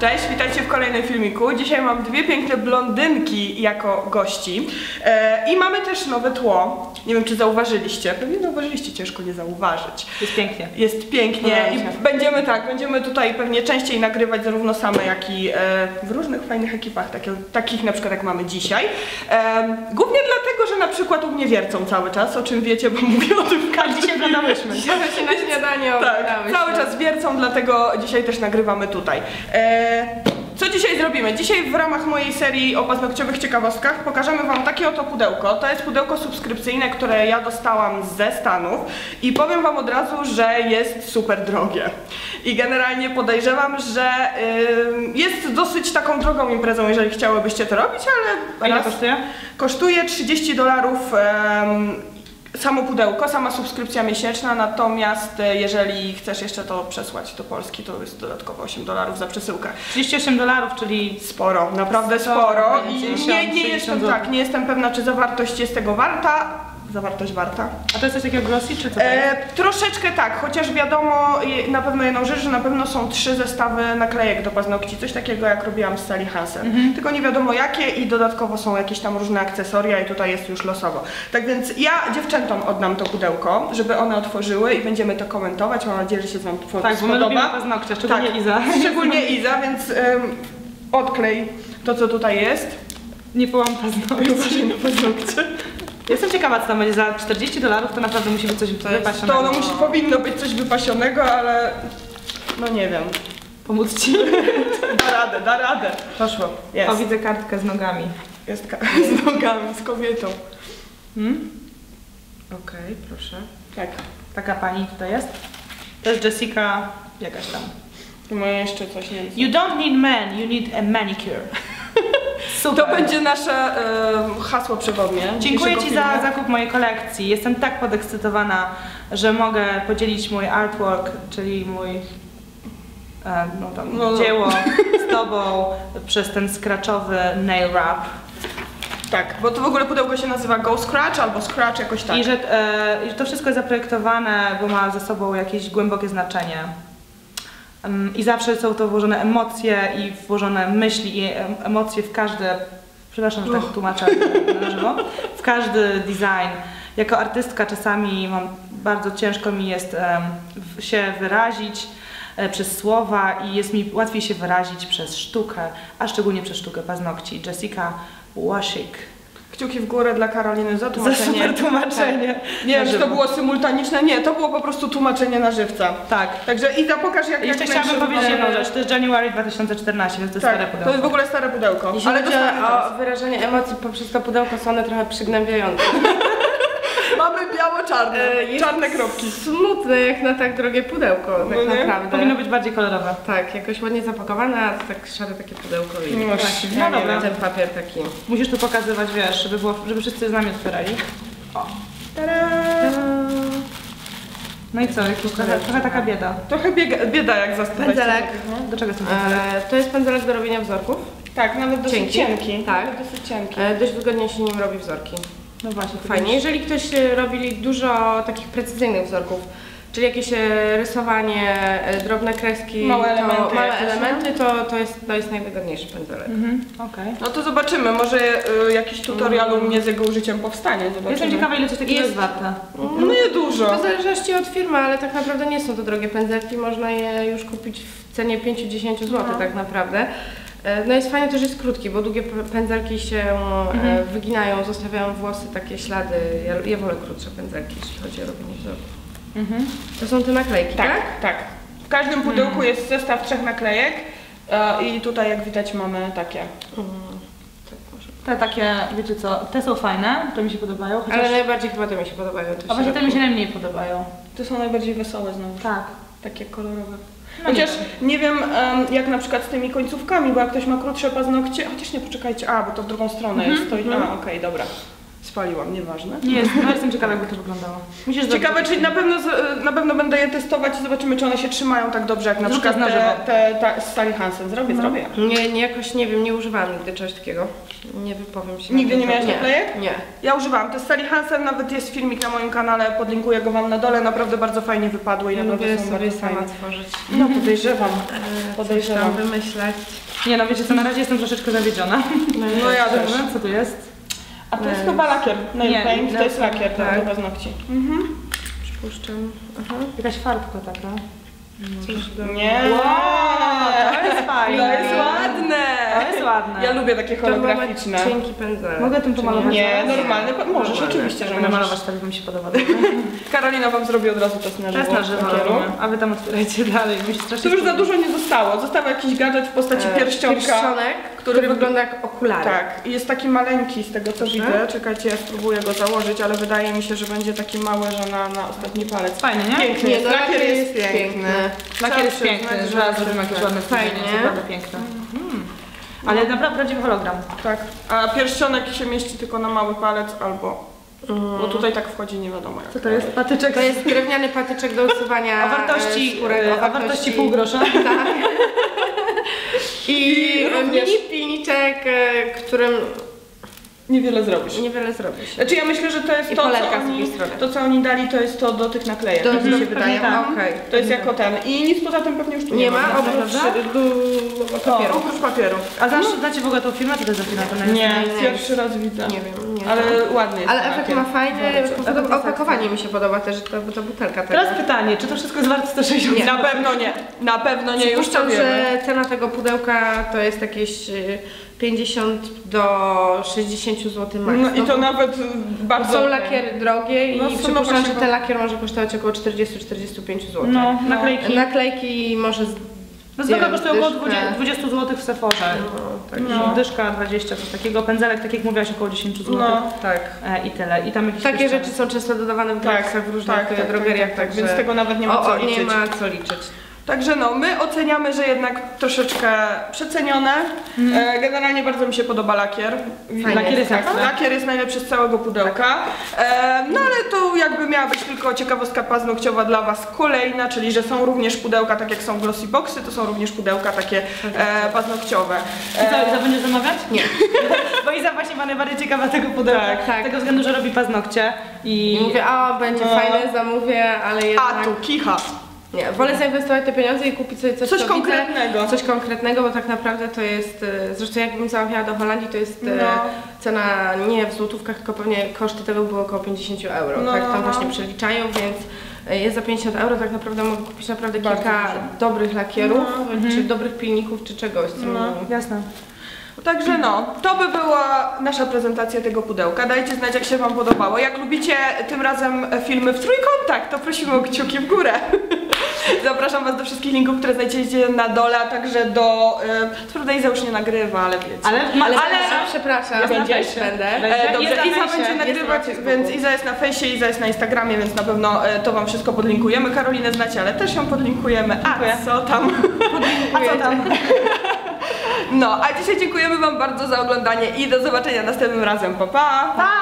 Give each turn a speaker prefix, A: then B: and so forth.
A: Cześć, witajcie w kolejnym filmiku. Dzisiaj mam dwie piękne blondynki jako gości i mamy też nowe tło. Nie wiem, czy zauważyliście. Pewnie zauważyliście, ciężko nie zauważyć.
B: Jest pięknie.
A: Jest pięknie i będziemy tutaj pewnie częściej nagrywać zarówno same, jak i w różnych fajnych ekipach, takich na przykład jak mamy dzisiaj. Głównie dlatego, że na przykład u mnie wiercą cały czas, o czym wiecie, bo mówię o tym w każdym
B: Dzisiaj oglądałyśmy.
C: Dzisiaj na śniadanie
A: tak, cały czas wiercą, dlatego dzisiaj też nagrywamy tutaj. Co dzisiaj zrobimy? Dzisiaj w ramach mojej serii o paznokciowych ciekawostkach pokażemy wam takie oto pudełko. To jest pudełko subskrypcyjne, które ja dostałam ze Stanów i powiem wam od razu, że jest super drogie. I generalnie podejrzewam, że jest dosyć taką drogą imprezą, jeżeli chciałybyście to robić, ale...
B: Ile kosztuje?
A: Kosztuje $30 samo pudełko, sama subskrypcja miesięczna, natomiast jeżeli chcesz jeszcze to przesłać do Polski, to jest dodatkowo $8 za przesyłkę.
B: $38, czyli
A: sporo, naprawdę sporo i nie jestem pewna, czy zawartość jest tego warta. Zawartość warta.
B: A to jest coś takiego glossy, czy co to jest?
A: Troszeczkę tak, chociaż wiadomo na pewno jedną rzecz, że na pewno są 3 zestawy naklejek do paznokci, coś takiego jak robiłam z Sally Hansen. Tylko nie wiadomo jakie i dodatkowo są jakieś tam różne akcesoria i tutaj jest już losowo. Tak więc ja dziewczętom oddam to pudełko, żeby one otworzyły i będziemy to komentować. Mam nadzieję, że się wam spodoba.
B: Tak, bo my lubimy paznokcie, szczególnie tak, Iza.
A: Szczególnie Iza, więc odklej to, co tutaj jest.
B: Nie połam paznokci.
A: Uważaj na paznokcie.
B: Jestem ciekawa, co tam będzie za $40, to naprawdę musi być coś wypasionego.
A: Powinno być coś wypasionego, ale no nie wiem.
B: Pomóc ci?
A: Da radę.
B: Poszło.
A: Jest.
B: O, widzę kartkę z nogami.
A: Jest z nogami, z kobietą.
B: Okej, proszę.
A: Tak.
B: Taka pani tutaj jest. To jest Jessica jakaś tam.
A: Moje jeszcze coś nie wiem.
B: You don't need men, you need a manicure. Super.
A: To będzie nasze hasło przewodnie.
B: Dziękuję ci za zakup mojej kolekcji. Jestem tak podekscytowana, że mogę podzielić mój artwork, czyli mój dzieło z tobą przez ten scratchowy nail wrap.
A: Tak, bo to w ogóle pudełko się nazywa Go Scratch albo Scratch jakoś tak.
B: I że to wszystko jest zaprojektowane, bo ma ze sobą jakieś głębokie znaczenie. I zawsze są to włożone emocje i włożone myśli i emocje w każde, przepraszam, że tak tłumaczę na żywo, w każdy design. Jako artystka czasami bardzo ciężko mi jest się wyrazić przez słowa i jest mi łatwiej się wyrazić przez sztukę, a szczególnie przez sztukę paznokci. Jessica Washik.
A: Kciuki w górę dla Karoliny za tłumaczenie.
B: Za super tłumaczenie.
A: Tak. Nie wiem, czy to było symultaniczne, nie, to było po prostu tłumaczenie na żywca.
B: Tak.
A: Także Iza, pokaż jak...
B: Jeszcze chciałabym powiedzieć jedną rzecz, to jest January 2014, więc to jest stare pudełko.
A: To jest w ogóle stare pudełko.
C: Jeśli chodzi o wyrażenie emocji poprzez to pudełko, są one trochę przygnębiające.
A: Mamy biało-czarne, czarne kropki.
C: Smutne jak na tak drogie pudełko, tak naprawdę.
B: Powinno być bardziej kolorowe.
C: Tak, jakoś ładnie zapakowane, a to tak szare takie pudełko i
A: no
C: dobra. Ten papier taki.
B: Musisz tu pokazywać, wiesz, żeby wszyscy z nami otwierali. O.
A: Tada!
B: No i co, trochę taka bieda.
A: Trochę bieda jak zastanawiać.
C: Pędzelek.
B: Do czego jest ten pędzelek?
C: To jest pędzelek do robienia wzorków.
A: Tak, nawet dosyć cienki.
C: Tak.
A: Dosyć cienki.
C: Dość wygodnie się nim robi wzorki.
B: No właśnie.
C: Fajnie. Jeżeli ktoś robi dużo takich precyzyjnych wzorków, czyli jakieś rysowanie, drobne kreski,
A: małe
C: elementy, to jest najwygodniejszy pędzelek.
B: Okej.
A: No to zobaczymy, może jakiś tutorial u mnie z jego użyciem powstanie. Zobaczymy.
B: Jestem ciekawa, ile coś takiego jest warte.
A: No nie dużo.
C: To w zależności od firmy, ale tak naprawdę nie są to drogie pędzelki, można je już kupić w cenie 5-10 zł tak naprawdę. No jest fajnie to, że jest krótki, bo długie pędzelki się wyginają, zostawiają włosy, takie ślady. Ja wolę krótsze pędzelki, jeśli chodzi o robienie wzorów. To są te naklejki, tak?
A: Tak. W każdym pudełku jest zestaw 3 naklejek i tutaj jak widać mamy takie.
B: Te takie, wiecie co, te są fajne, to mi się podobają. Chociaż...
C: Ale najbardziej chyba te mi się podobają.
B: A właśnie te mi się najmniej podobają.
A: Te są najbardziej wesołe znowu.
B: Tak.
A: Takie kolorowe.
B: No
A: Chociaż nie wiem jak na przykład z tymi końcówkami, bo jak ktoś ma krótsze paznokcie, chociaż nie, poczekajcie, bo to w drugą stronę jest. To, okej, dobra. spaliłam, nieważne.
B: Nie jest, no jestem ciekawa, jakby to wyglądało. Musisz
A: Ciekawe,
B: zrobić.
A: czy na pewno będę je testować i zobaczymy, czy one się trzymają tak dobrze, jak na
B: Zrób
A: przykład
B: to na żywo.
A: te z Sally Hansen. Zrobię.
C: Nie, jakoś nie wiem, nie używałam nigdy czegoś takiego. Nie wypowiem się.
A: Nigdy
C: na
A: nie
C: ten
A: miałaś
C: temat.
A: naklejek?
C: Nie.
A: Ja używałam. To z Sally Hansen, nawet jest filmik na moim kanale, podlinkuję go wam na dole, naprawdę bardzo fajnie wypadły i
C: Ja
A: naprawdę
C: lubię
A: są
C: sobie
A: bardzo
C: sama
A: fajne.
C: tworzyć.
A: No podejrzewam.
C: Coś tam wymyślać.
B: Nie no, wiecie co, na razie jestem troszeczkę zawiedziona.
A: No ja też.
B: Co tu jest?
A: A to jest chyba lakier, nail
B: Nie,
A: paint, to jest
B: no,
A: lakier
C: tak.
A: do paznokci.
C: Przypuszczam. Aha.
B: Jakaś farbka taka.
C: Coś do...
A: Nie!
B: Wow, to jest fajne.
A: To jest ładne!
B: To jest ładne.
A: Ja lubię takie
C: To chyba ma
A: holograficzne.
C: cienki pędzelek.
B: Mogę tym
C: czy
B: pomalować?
A: Nie, normalne, możesz,
C: Normalne.
A: oczywiście, że
B: Będę
A: możesz.
B: malować, tak mi się podoba.
A: Karolina wam zrobi od razu test na żywo.
B: Teraz na żywo
A: lakieru.
B: robimy, a wy tam otwierajcie dalej. Mi się
A: Tu
B: strasznie
A: już za
B: podoba.
A: dużo nie zostało. Został jakiś gadżet w postaci pierścionka.
C: Pierścionek, który wygląda jak okulary.
A: Tak, i jest taki maleńki z tego co
C: Proszę.
A: widzę. Czekajcie, ja spróbuję go założyć, ale wydaje mi się, że będzie taki mały, że na ostatni palec.
B: Fajny, nie?
A: Piękny
C: Nie,
A: jest,
C: no,
A: lakier jest piękny.
C: piękny.
B: Lakier jest
A: Trzeba
B: piękny,
A: przyznać,
B: że raz zrobimy jakieś ładne
C: Fajnie.
B: wstawienie, jest naprawdę piękne. Ale naprawdę prawdziwy hologram.
A: Tak, a pierścionek się mieści tylko na mały palec albo... Bo tutaj tak wchodzi nie wiadomo jak.
B: Co to jest? Patyczek
C: To jest drewniany patyczek do usuwania
B: o wartości,
C: skórek,
B: o wartości pół grosza.
C: Tak. I
A: również.
C: mini pilniczek, którym
A: Niewiele zrobisz.
C: niewiele zrobisz.
A: Znaczy ja myślę, że to jest
C: I
A: to,
C: polerka
A: co
C: z
A: oni,
C: drugiej strony.
A: to, co oni dali, to jest to do tych naklejek,
C: Do-
A: tak mi się
C: pewnie
A: wydaje.
B: tak.
C: Okej.
A: To jest jako ten. I nic poza tym pewnie już tu
C: Nie ma, oprócz papieru.
A: Oprócz papieru.
B: A znacie w ogóle tą firmę? Co to jest za firma? To
A: Nie,
C: nie.
A: pierwszy raz widzę.
C: Nie wiem, nie
A: Ale
C: znam.
A: ładny jest.
C: Ale
A: ten
C: efekt
A: lakier.
C: ma fajny,
B: Bardzo.
C: opakowanie mi się podoba też, ta butelka tego.
B: Teraz pytanie, czy to wszystko jest warte 160
C: Nie.
A: Na pewno nie. Na pewno nie, już to
C: Przypuszczam,
A: wiemy.
C: że cena tego pudełka to jest jakieś 50 do 60 zł max.
A: No i to nawet bardzo...
C: Są lakiery drogie i
A: No, są
C: przypuszczam,
A: właśnie-
C: że ten lakier może kosztować około 40-45 zł.
B: No, naklejki.
C: Naklejki może
B: No zwykle
C: wiem,
B: kosztuje około
C: dyszkę.
B: 20 zł w Sephorze.
C: także
B: No. Dyszka 20, coś takiego. Pędzelek, tak jak mówiłaś, około 10 zł.
A: No.
C: tak.
B: I tyle. I tam jakieś
C: Takie
B: pierścionek.
C: rzeczy są często dodawane w
A: Tak,
C: gratisach w różnych drogeriach, także
A: Więc tego nawet nie ma co liczyć.
C: nie ma co liczyć.
A: Także no, my oceniamy, że jednak troszeczkę przecenione. Generalnie bardzo mi się podoba lakier.
B: Lakier jest
A: tak,
B: ekstra.
A: lakier jest najlepszy z całego pudełka. No ale to jakby miała być tylko ciekawostka paznokciowa dla was kolejna, czyli że są również pudełka, tak jak są glossy boxy, to są również pudełka takie paznokciowe.
B: Iza będziesz zamawiać?
C: Nie.
B: Bo Iza właśnie ma najbardziej ciekawa tego pudełka.
A: Tak,
C: tak.
B: Z tego względu, że robi paznokcie
C: I mówię, będzie
A: No.
C: fajne, zamówię, ale jednak...
A: A tu kicha.
C: Nie, wolę zainwestować te pieniądze i kupić sobie coś,
A: Coś
C: co
A: konkretnego.
C: Widzę, coś konkretnego, bo tak naprawdę to jest, zresztą jakbym zamawiała do Holandii, to jest
A: No.
C: cena nie w złotówkach, tylko pewnie koszty tego były około 50 euro.
A: No,
C: Tak tam
A: no.
C: właśnie przeliczają, więc jest za 50 euro tak naprawdę mogę kupić naprawdę
A: Bardzo
C: kilka
A: dużo.
C: dobrych lakierów, czy dobrych pilników, czy czegoś. Co
A: No.
B: Jasne.
A: Także no, to by była nasza prezentacja tego pudełka. Dajcie znać, jak się wam podobało. Jak lubicie tym razem filmy w trójkątach, to prosimy o kciuki w górę. Zapraszam was do wszystkich linków, które znajdziecie na dole, a także do... Co prawda Iza już nie nagrywa, ale wiecie.
C: Ale przepraszam,
B: Jest na
C: będziesz,
B: fejsie.
C: będę.
A: Dobrze,
B: Jest na
A: Iza
B: fejsie,
A: będzie
B: jest
A: nagrywać,
C: na Facebooku.
A: więc Iza jest na fejsie, Iza jest na Instagramie, więc na pewno to wam wszystko podlinkujemy. Karolinę znacie, ale też ją podlinkujemy. A co tam?
B: A co tam?
A: No, a dzisiaj dziękujemy wam bardzo za oglądanie i do zobaczenia następnym razem. Pa, pa!
B: Pa!